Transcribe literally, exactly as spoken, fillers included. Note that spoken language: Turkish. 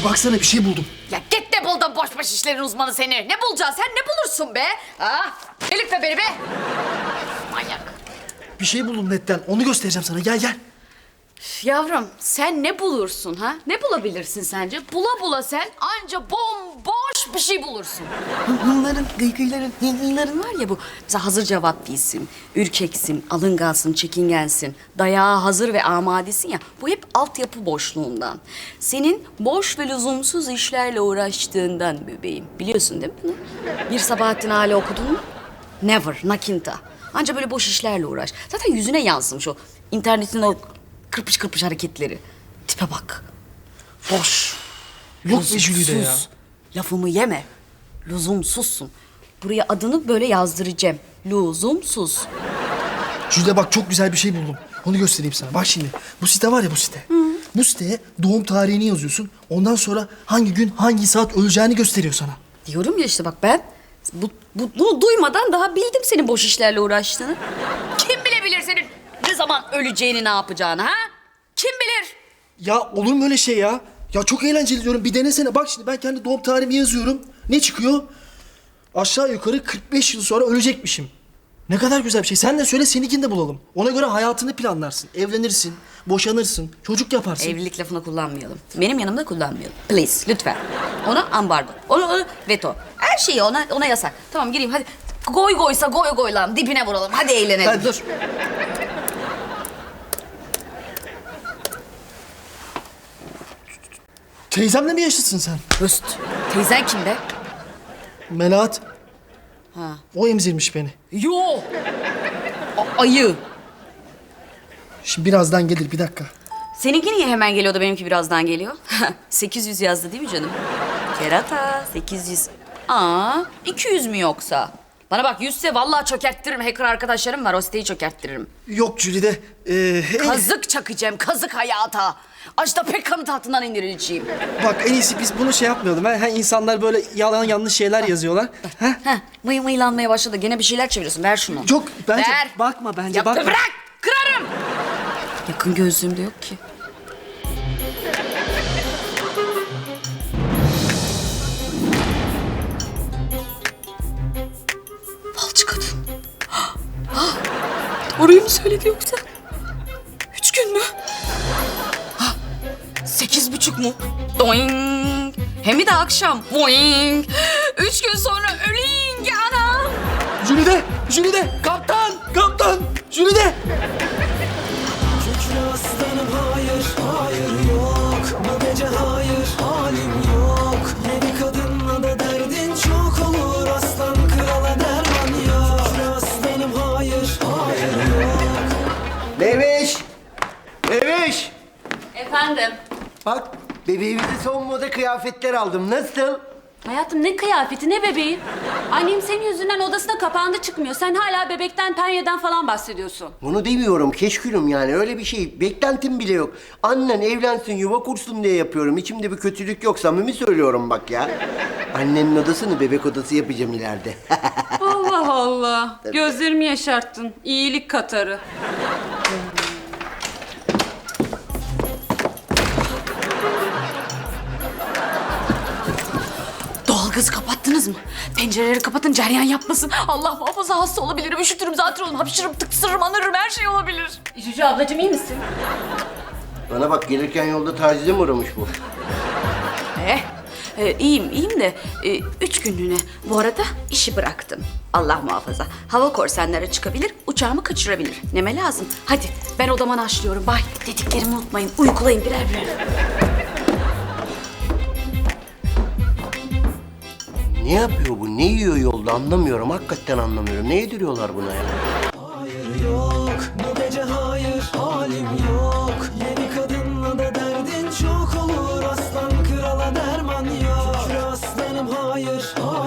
baksana bir şey buldum. Ya git de buldun boş boş işlerin uzmanı seni. Ne bulacaksın sen, ne bulursun be? Ha? Elif'le beni be. Manyak. Bir şey buldum netten. Onu göstereceğim sana. Gel gel. Yavrum sen ne bulursun ha? Ne bulabilirsin sence? Bula bula sen anca bomboş bir şey bulursun. Bunların gıygıyların, gıygıyların var ya bu. Mesela hazır cevap değilsin, ürkeksin, alıngansın, çekingensin. Dayağa hazır ve amadesin ya. Bu hep altyapı boşluğundan. Senin boş ve lüzumsuz işlerle uğraştığından bebeğim. Biliyorsun değil mi bunu? Bir Sabahattin Ali okudun mu? Never, nakinta. Anca böyle boş işlerle uğraş. Zaten yüzüne yansımış o internetin o kırpış kırpış hareketleri. Tipe bak. Boş. Yok be Jülide ya. Lüzumsuz. Lafımı yeme. Lüzumsuzsun. Buraya adını böyle yazdıracağım. Lüzumsuz. Jülide bak çok güzel bir şey buldum. Onu göstereyim sana. Bak şimdi. Bu site var ya bu site. Hı. Bu siteye doğum tarihini yazıyorsun. Ondan sonra hangi gün hangi saat öleceğini gösteriyor sana. Diyorum ya işte bak ben bu, bu, bunu duymadan daha bildim senin boş işlerle uğraştığını. Kim bilebilir senin ne zaman öleceğini, ne yapacağını ha? Kim bilir? Ya olur mu öyle şey ya? Ya çok eğlenceli diyorum. Bir denesene. Bak şimdi ben kendi doğum tarihimi yazıyorum. Ne çıkıyor? Aşağı yukarı kırk beş yıl sonra ölecekmişim. Ne kadar güzel bir şey. Sen de söyle, seninkini de bulalım. Ona göre hayatını planlarsın. Evlenirsin, boşanırsın, çocuk yaparsın. Evlilik lafını kullanmayalım. Benim yanımda kullanmayalım. Please, lütfen. Ona ambargo. Ona, ona veto. Her şeyi ona ona yasak. Tamam gireyim hadi. Goy goysa goy goylan dibine vuralım. Hadi eğlenelim. Hadi. Dur. Teyzemle mi yaşlısın sen? Höst. Teyzen kim be? Melahat. Ha. O emzirmiş beni. Yo. A- ayı. Şimdi birazdan gelir, bir dakika. Seninki niye hemen geliyor da benimki birazdan geliyor? sekiz yüz yazdı değil mi canım? Kerata sekiz yüz. Aa, iki yüz mü yoksa? Bana bak yüzse vallahi çökerttiririm. Hacker arkadaşlarım var, o siteyi çökerttiririm. Yok Jülide. Ee, en- Kazık çakacağım, kazık hayata. Ajda Pekkan'ın tahtından indirileceğim. Bak en iyisi biz bunu şey yapmayalım. Ha, insanlar böyle yalan yanlış şeyler yazıyorlar. Ha? Heh, mıy mıylanmaya başladı. Gene bir şeyler çeviriyorsun. Ver şunu. Çok bence Ver. bakma bence Ya bakma. bırak, kırarım. Yakın gözlüğüm de yok ki. Falcı kadın. Doğruyu mu söyledi yoksa? Üç gün mü? Ha, sekiz buçuk mu? Doing. Hem de akşam. Boing. Üç gün sonra öleyim anam. Jülide, Jülide, kaptan, kaptan, Jülide. Kükre aslanım hayır, hayır yok. Bu gece hayır, halim yok. Yeni kadınla da derdin çok olur. Aslan krala derman yok. Kükre aslanım hayır, hayır yok. Meveş! Meveş! Efendim? Bak bebeğimize son moda kıyafetler aldım. Nasıl? Hayatım ne kıyafeti ne bebeği? Annem senin yüzünden odasına kapandı çıkmıyor. Sen hala bebekten penyeden falan bahsediyorsun. Bunu demiyorum keşkülüm yani öyle bir şey. Beklentim bile yok. Annen evlensin yuva kursun diye yapıyorum. İçimde bir kötülük yok, samimi söylüyorum bak ya. Annenin odasını bebek odası yapacağım ileride. Allah Allah. Gözlerimi yaşarttın. İyilik katarı. Doğalgazı kapattınız mı? Pencereleri kapatın, cereyan yapmasın. Allah muhafaza hasta olabilirim, üşütürüm, zaten olurum, hapşırırım, tıksırırım, anırırım, her şey olabilir. Cücü ablacığım iyi misin? Bana bak gelirken yolda tacize mi uğramış bu? Eh, e, iyiyim, iyiyim de e, üç günlüğüne. Bu arada işi bıraktım. Allah muhafaza. Hava korsanları çıkabilir, uçağımı kaçırabilir. Neme lazım? Hadi ben odama naşlıyorum. Bay, dediklerimi unutmayın. Uykulayın birer birer. Ne yapıyor bu? Ne yiyor yolda anlamıyorum. Hakikaten anlamıyorum. Ne yediriyorlar buna ya? Hayır yok. Bu gece hayır, halim yok. Yeni kadınla da derdin çok olur. Aslan krala derman yok. Kükre aslanım hayır, hayır